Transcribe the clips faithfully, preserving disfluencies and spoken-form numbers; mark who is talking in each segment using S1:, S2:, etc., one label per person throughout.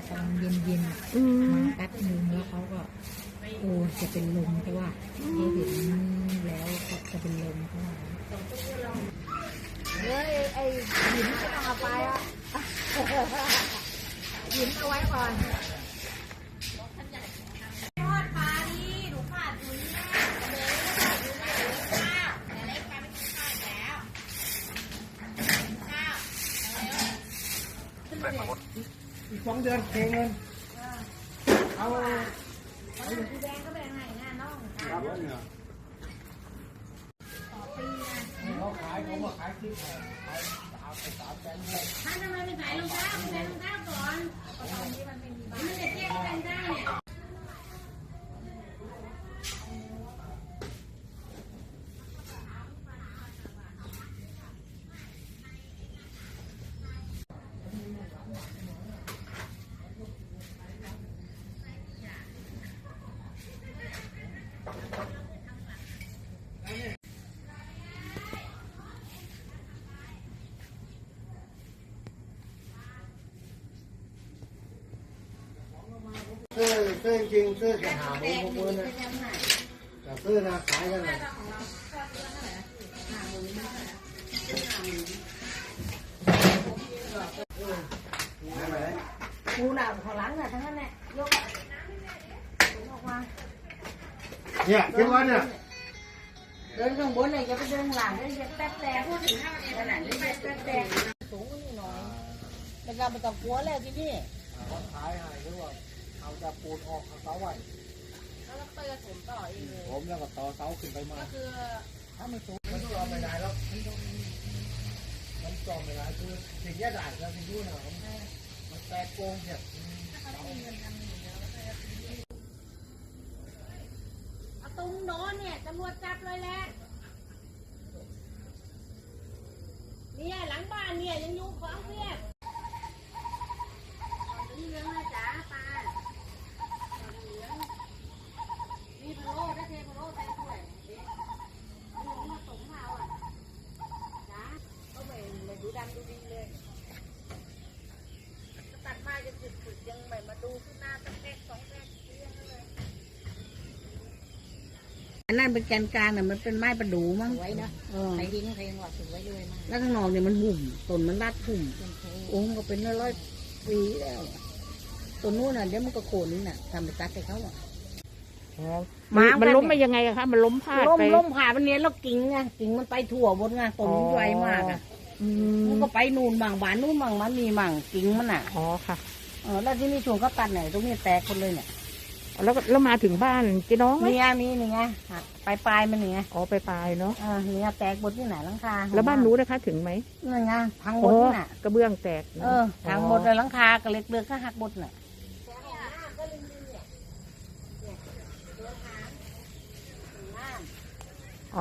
S1: ตอนเย็นๆมาแป๊บนึงแล้วเขาก็โอ้จะเป็นลมเพราะว่าเขาเห็นแล้วเขาจะเป็นลมเพราะว่าเฮ้ยไอ้หินไม่ต้องเอาไปอ่ะหินเอาไว้ก่อน
S2: อีกสองเดือนเก่งเงินเอาเอาสีแดงก็ไปให้หน้าน้องครับเนี่ยต่อปีนะเขาขายเขาบอกขายที่แพงขายสามสามแสนเลยท่านทำไมไม่ใส่รองเท้าไม่ใส่รองเท้าก่อนตอนนี้มันไม่มีบ้านมันจะเจ๊กันได้เนี่ยซื้อซื้อจริงซื้อจะหาหมูพวกมือนะแต่ซื้อนะขายกันเลยกูหนาวขอหลังน่ะทั้งนั้นแหละยกออกมาเนี่ยคิดว่าเนี่ยเดินข้างบนเนี่ยจะไปเดินหลังเนี่ยจะแป๊บแต่พูดถึงห้าขนาดนี้แป๊บแต่สูงนิดหน่อยแต่เราไม่ต้องกลัวแล้วที่นี่เขาขายให้หรือว่าเอาจะปูนออกเอาเสาไว้แล้วก็เตยผมต่อเองเลยผมแล้วก็ต่อเสาขึ้นไปมาก็คือถ้ามันสูงมันจอมไม่ได้แล้วมันจอมไม่ได้คือสิ่งแย่ได้แล้วสิ่งนู้นนะมันแตกโกงเนี่ยเอาตุ้งโน้นเนี่ยตำรวจจับเลยแหละเนี่ยหลังบ้านเนี่ยยังอยู่ของเพียบนี่เลี้ยงนะจ๊ะปลาเลี้ยงมีพะโล้ได้เทพะโล้ใส่ถ้วยเด็กลุงมาส่งเราอ่ะจ๊ะเขาไม่ไม่ดูดำดูดีเลยตัดไม้จะจุดๆยังไม่มาดูขึ้นหน้าตั้งแรกสองแรกเลี้ยงเลยอันนั้นเป็นแกนกลางน่ะมันเป็นไม้ประดู่มั้งไว้นะใครทิ้งใครยังว่าถือไว้ด้วยมากแล้วข้างนอกเนี่ยมันหุ่มต้นมันรัดหุ่มโอ้ก็เป็นร้อยปีแล้วตัวนู้นน่ะเดี๋ยวมันก็โค่นนี่น่ะทำไปตัดให้เขาอ่ะ
S3: มันล้มมายังไงอะคะมันล้มพลาดไป
S2: ล้มล้มผ่ามันเนี้ยแล้วกิ่งไงกิ่งมันไปทั่วบนไงต้นมันใหญ่มากอ่ะมันก็ไปนู่นมั่งบ้านนู่นมั่งมันมีมั่งกิ่งมันอ่ะ
S3: อ๋อค่ะ
S2: เออแล้วที่นี่ช่วงก็ตัดไหนตรงนี้แตกคนเลยเนี่ย
S3: แล้วแล้วมาถึงบ้านเจ๊น้องไหม
S2: นี่มีนี่ไงปลายปลายมันนี่ไง
S3: อ๋อไปปลายเนาะ
S2: อ่าเนี่ยแตกบนที่ไหนหลังคา
S3: แล้วบ้านรู้นะคะถึงไหม
S2: นั่นไงพังหมดน่ะ
S3: กระเบื้องแตก
S2: เออพังหมดเลยหลังคากระเล็กเลือกก็หักหมดน่ะ
S3: อ๋อ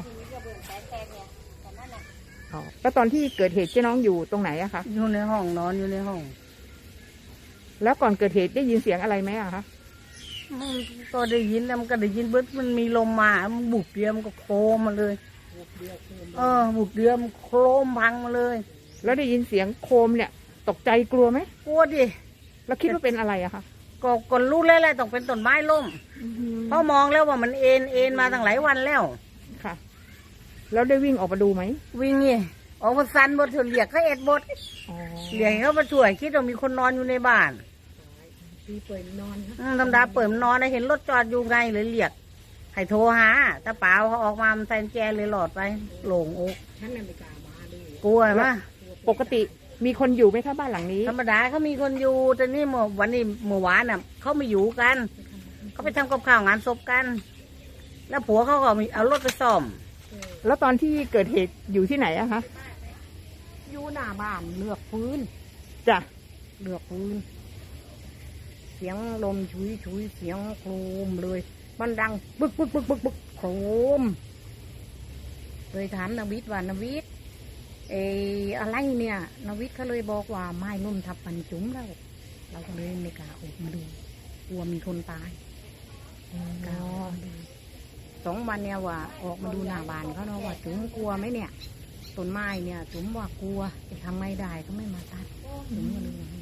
S3: อ๋อแล้วตอนที่เกิดเหตุเจ๊น้องอยู่ตรงไหนอะคะ
S2: อยู่ในห้องนอนอยู่ในห้อง
S3: แล้วก่อนเกิดเหตุได้ยินเสียงอะไรไหมอะคะ
S2: ก็ได้ยินแล้วมันก็ได้ยินเบิดมันมีลมมามันบุกเดียวมันก็โครมมาเลยเออบุกเดียวมันโครมพังมาเลย
S3: แล้วได้ยินเสียงโครมเนี่ยตกใจกลัวไหม
S2: กลัวดิ
S3: แล้วคิดว่าเป็นอะไรอะคะ
S2: ก็ก่อนรู้แล้วแหละต้องเป็นต้นไม้ล้มเพราะมองแล้วว่ามันเอ็นเอ็นมาตั้งหลายวันแล้ว
S3: ค่ะแล้วได้วิ่งออกมาดูไหม
S2: วิ่งนี่ออกมาซันบดเถื่อนเหลียกเขาเอ็ดบดเหลียกเขามาช่วยคิดว่ามีคนนอนอยู่ในบ้าน
S1: ปีเปิดนอน
S2: ธรรมดาเปิดนอนนะเห็นรถจอดอยู่ไงเลยเหลียกให้โทรหาถ้าเปล่าเขาออกมามันแซนแจเลยหลอดไปโหลงอก
S1: ฉันไม่กล้ามาด้วย
S2: กลัวมะ
S3: ปกติมีคนอยู่ไหมคะบ้านหลังนี้
S2: ธรรมดาเขามีคนอยู่แต่นี่เมื่อวันนี้เมื่อวานน่ะเขาไม่อยู่กันเขาไปทำกับข้าวงานศพกันแล้วผัวเขาก็เอารถไปซ่อม
S3: แล้วตอนที่เกิดเหตุอยู่ที่ไหนอะคะ
S1: อยู่หน้าบ้านเลือกพื้น
S3: จ้ะ
S1: เลือกพื้นเสียงลมชุยชุยเสียงโครมเลยมันดังบึกบึกบึกบึกบึกโครมเลยถามนวิทย์ว่านวิทย์เอออะไรเนี่ยนวิทย์เขาเลยบอกว่าไม้นุ่มทับปันจุ๋มแล้วเราก็เลยไม่กล้าออกมาดูกลัวมีคนตายกล้าดูสองวันเนี่ยว่าออกมาดูหน้าบ้านเขาเนาะว่าจุ๋มกลัวไหมเนี่ยต้นไม้เนี่ยจุ๋มว่ากลัวจะทำไม่ได้ก็ไม่มาตัดจุ๋มก็เลย